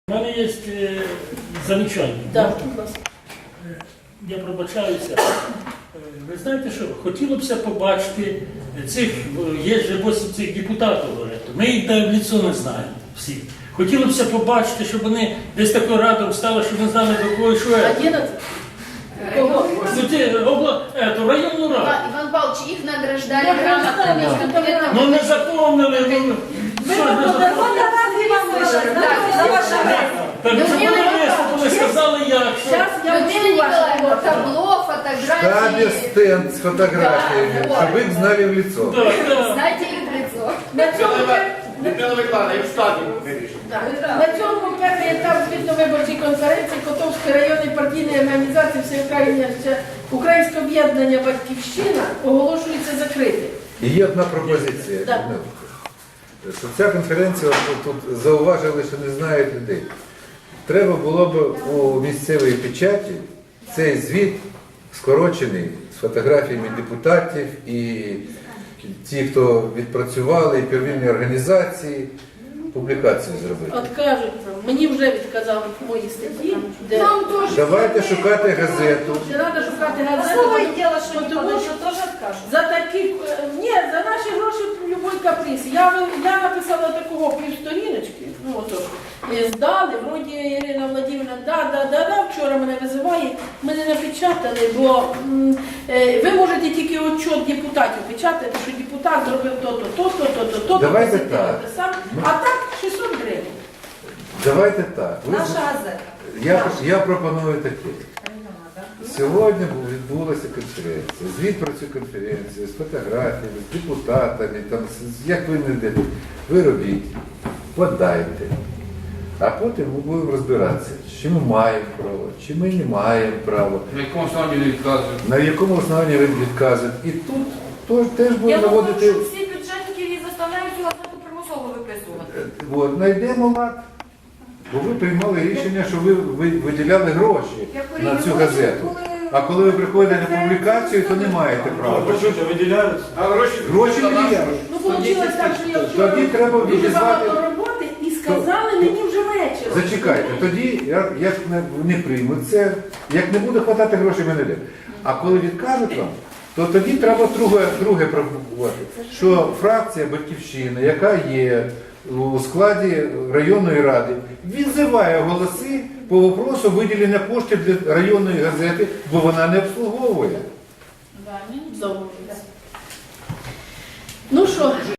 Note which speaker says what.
Speaker 1: У мене є замічання.
Speaker 2: Так,
Speaker 1: Я пробачаюся. Ви знаєте що, хотілося б побачити цих, є ж 8 цих депутатів, ми їх в лицо не знаємо всі. Хотілося б побачити, щоб вони десь такою радом стали, щоб ми знали до кого і що.
Speaker 2: 11. Кого?
Speaker 1: Районну раду.
Speaker 3: Иван Павлович, их награждали
Speaker 2: Да,
Speaker 3: грамотами.
Speaker 2: да,
Speaker 3: конкретно.
Speaker 1: Ну не запомнили.
Speaker 2: Ви
Speaker 1: Так що вони виступили, сказали як. що-
Speaker 2: Зараз я
Speaker 3: Людмила
Speaker 2: вчу
Speaker 3: Николаевна,
Speaker 2: ваше
Speaker 3: табло,
Speaker 4: Штабе
Speaker 3: фотографии.
Speaker 4: стенд с фотографиями,
Speaker 3: Да,
Speaker 4: чтобы их знали в лицо.
Speaker 1: Так, так.
Speaker 3: Знаете их в лицо.
Speaker 2: На цьому
Speaker 5: Людмила Миколаївна, і в штаті вирішив.
Speaker 2: на цьому перший етап звітно-виборчої конференції Котовської районної партійної організації Українське об'єднання «Батьківщина» оголошується закритим.
Speaker 4: І є одна пропозиція.
Speaker 2: Так.
Speaker 4: Що ця конференція, тут зауважили, що не знають людей. Треба було б у місцевій печаті цей звіт скорочений з фотографіями депутатів і ті, хто відпрацювали, і первинні організації, публікацію зробити.
Speaker 2: От кажуть, мені вже відказали в моїй статті, де
Speaker 3: Нам тоже.
Speaker 4: Давайте шукати газету.
Speaker 2: не треба шукати газету, тому що за такі, ні, за наші гроші любой каприз. Я написала такого півсторіночки, ну отож, здали, вроді Ірина Владимирівна, да, вчора мене визиває, ми не напечатали, бо ви можете тільки отчет депутатів печатати, що депутат зробив то-то.
Speaker 4: Давайте
Speaker 2: посидів,
Speaker 4: так.
Speaker 2: написав. А так 600 гривень.
Speaker 4: Давайте так.
Speaker 3: Наша газета.
Speaker 4: Я пропоную таке. Сьогодні відбулася конференція. Звіт про цю конференцію з фотографіями, з депутатами, там, як ви не йдете. Ви робіть, подайте. А потім ми будемо розбиратися, чи ми маємо право, чи ми не маємо права,
Speaker 5: На якому основі не відказують?
Speaker 4: на якому основанні ви відказуєте. І тут теж
Speaker 6: Я
Speaker 4: будемо
Speaker 6: думаю,
Speaker 4: наводити.
Speaker 6: що всі бюджетники її заставляють цю газету примусово виписувати.
Speaker 4: От, знайдемо лад. Бо ви приймали рішення, що ви виділяли гроші на цю газету. А коли ви приходите на публікацію, то не маєте права.
Speaker 5: виділяють? А гроші?
Speaker 4: Гроші є.
Speaker 2: Ну, вийшло так, що я вчора
Speaker 4: Тоді треба
Speaker 2: дуже
Speaker 4: відізвати.
Speaker 2: багато роботи і сказали мені вже вечором.
Speaker 4: Зачекайте, тоді як не приймуть це, як не буде хватати грошей, ми не йдемо. А коли відкажуть вам, то тоді треба друге пропонувати, що фракція «Батьківщина», яка є у складі районної ради, відзиває голоси по вопросу виділення коштів для районної газети, бо вона не обслуговує.
Speaker 2: Ну що?